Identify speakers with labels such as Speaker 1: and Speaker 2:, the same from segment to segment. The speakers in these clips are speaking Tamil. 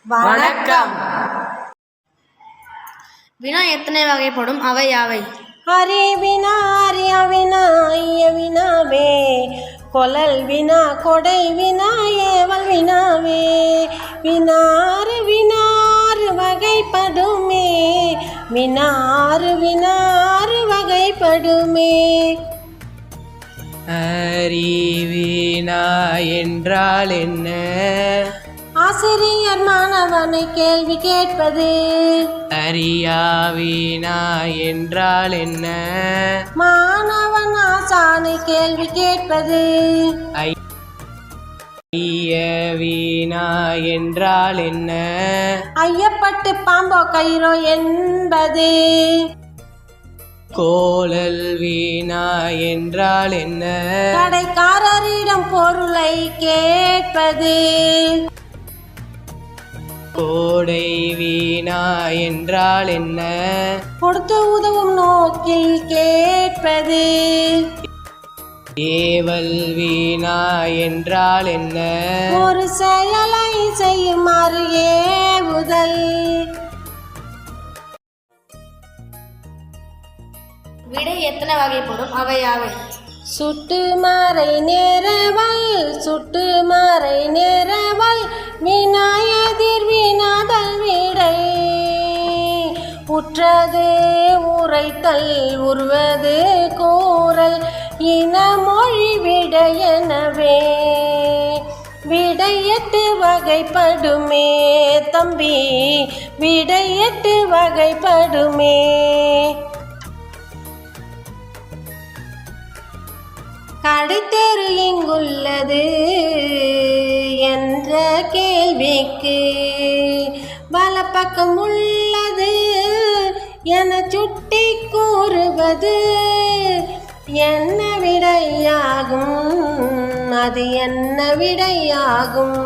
Speaker 1: வணக்கம்.
Speaker 2: வினா எத்தனை வகைப்படும்? அவை யாவை?
Speaker 1: அரி வினா அரிய வினா ஐய வினாவே, கொலல் வினா கொடை வினா ஏவல் வினாவே, வினாறு வினாறு வகைப்படுமே, வினாறு வினாறு வகைப்படுமே.
Speaker 3: அறிவினா என்றால் என்ன?
Speaker 1: ஆசிரியர் மாணவனை கேள்வி கேட்பது.
Speaker 3: அறியாவினா என்றால் என்ன?
Speaker 1: மாணவன் ஆசானை கேள்வி கேட்பது.
Speaker 3: ஐயவினா என்றால் என்ன?
Speaker 1: ஐயப்பட்டு பாம்போ கயிறோ என்பது.
Speaker 3: கோலல் வீணா என்றால் என்ன?
Speaker 1: கடைக்காரரிடம் பொருளை கேட்பது.
Speaker 3: கோடை வீணா என்றால் என்ன?
Speaker 1: கொடுத்து உதவும் நோக்கில் கேட்பது.
Speaker 3: ஏவல் வீணா என்றால் என்ன?
Speaker 1: ஒரு செயலை செய்யுமாறு ஏவுதல்.
Speaker 2: விடை எத்தனை வகைப்படும்? அவை யாவை?
Speaker 1: சுட்டு மறை நேரவல் சுட்டு மறை நேரவல், வினாயதிர் வினாதல் விடை. உற்றது உரைத்தல் உருவது கூறல், இனமொழி விடையெனவே. விடையெட்டு வகைப்படுமே தம்பி, விடையெட்டு வகைப்படுமே. கடைத்தெரு எங்குள்ளது என்ற கேள்விக்கு வலப்பக்கம் உள்ளது என சுட்டி கூறுவது என்ன விடையாகும்? அது என்ன விடையாகும்?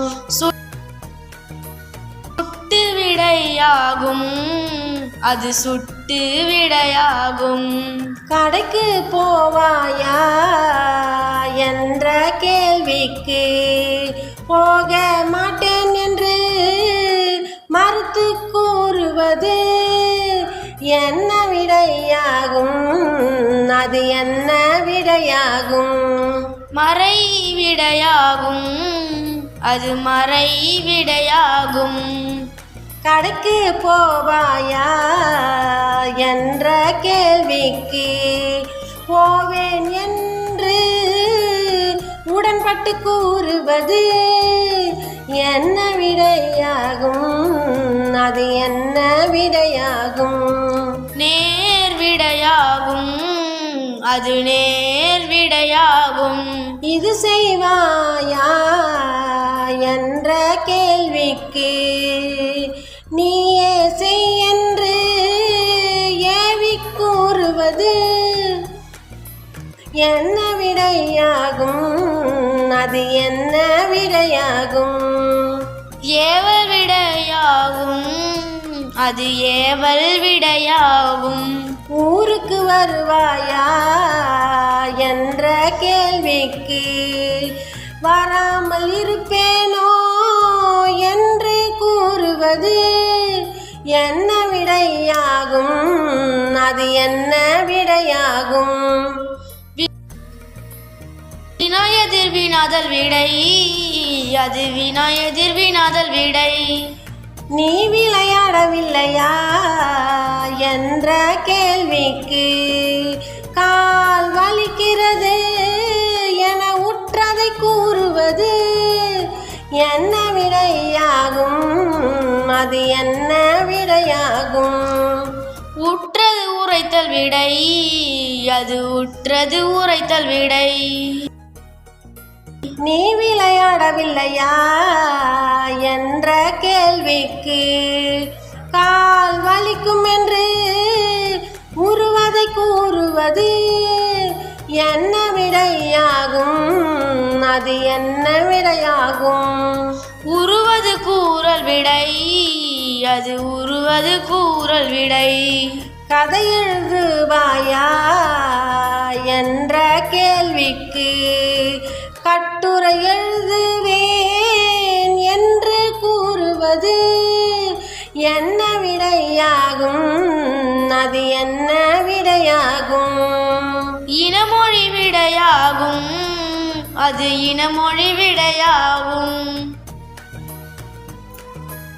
Speaker 2: சுட்டு விடையாகும். அது சுட்டு விடையாகும்.
Speaker 1: கடைக்கு போவாயா என்ற கேள்விக்கு போக மாட்டேன் என்று மறுத்து கூறுவது என்ன விடையாகும்? அது என்ன விடையாகும்?
Speaker 2: மறை விடையாகும். அது மறை விடையாகும்.
Speaker 1: கடைக்கு போவாயா என்ற கேள்விக்கு போவேன் என்று உடன்பட்டு கூறுவது என்ன விடையாகும்? அது என்ன விடையாகும்?
Speaker 2: நேர் விடையாகும். அது நேர் விடையாகும்.
Speaker 1: இது செய்வாயா என்ற கேள்விக்கு நீயே செய் என்று ஏவி கூறுவது என்ன விடையாகும்? அது என்ன விடையாகும்?
Speaker 2: ஏவல் விடையாகும். அது ஏவல் விடையாகும்.
Speaker 1: ஊருக்கு வருவாயா என்ற கேள்விக்கு வராமல் இருப்பேனோ என்று கூறுவது என்ன விடையாகும்? அது என்ன விடையாகும்?
Speaker 2: வினாயதிர் வினாதல் விடை. அது வினாயதிர் வினாதல் விடை.
Speaker 1: நீ விளையாடவில்லையா என்ற கேள்விக்கு கால் வலிக்கிறது என உற்றதை கூறுவது என்ன விடையாகும்? அது என்ன விடையாகும்?
Speaker 2: உற்றது உரைத்தல் விடை. அது உற்றது உரைத்தல் விடை.
Speaker 1: நீ விளையாடவில்லையா என்ற கேள்விக்கு கால் வலிக்கும் என்று உருவதை கூறுவது என்ன விடையாகும்? அது என்ன விடையாகும்?
Speaker 2: உருவது கூறல் விடை. அது உருவது கூறல் விடை.
Speaker 1: கதை எழுதுவாயா என்ற கேள்விக்கு கட்டுரை எழுதுவேன் என்று கூறுவது விடையாகும், அது என்ன விடையாகும்?
Speaker 2: இனமொழி விடையாகும், அது இனமொழி விடையாகும்.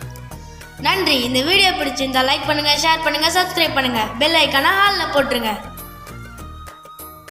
Speaker 2: நன்றி. இந்த வீடியோ பிடிச்சிருந்தா லைக் பண்ணுங்க, ஷேர் பண்ணுங்க, சப்ஸ்கிரைப் பண்ணுங்க, பெல் ஐக்கான ஆல்ல போட்டுருங்க.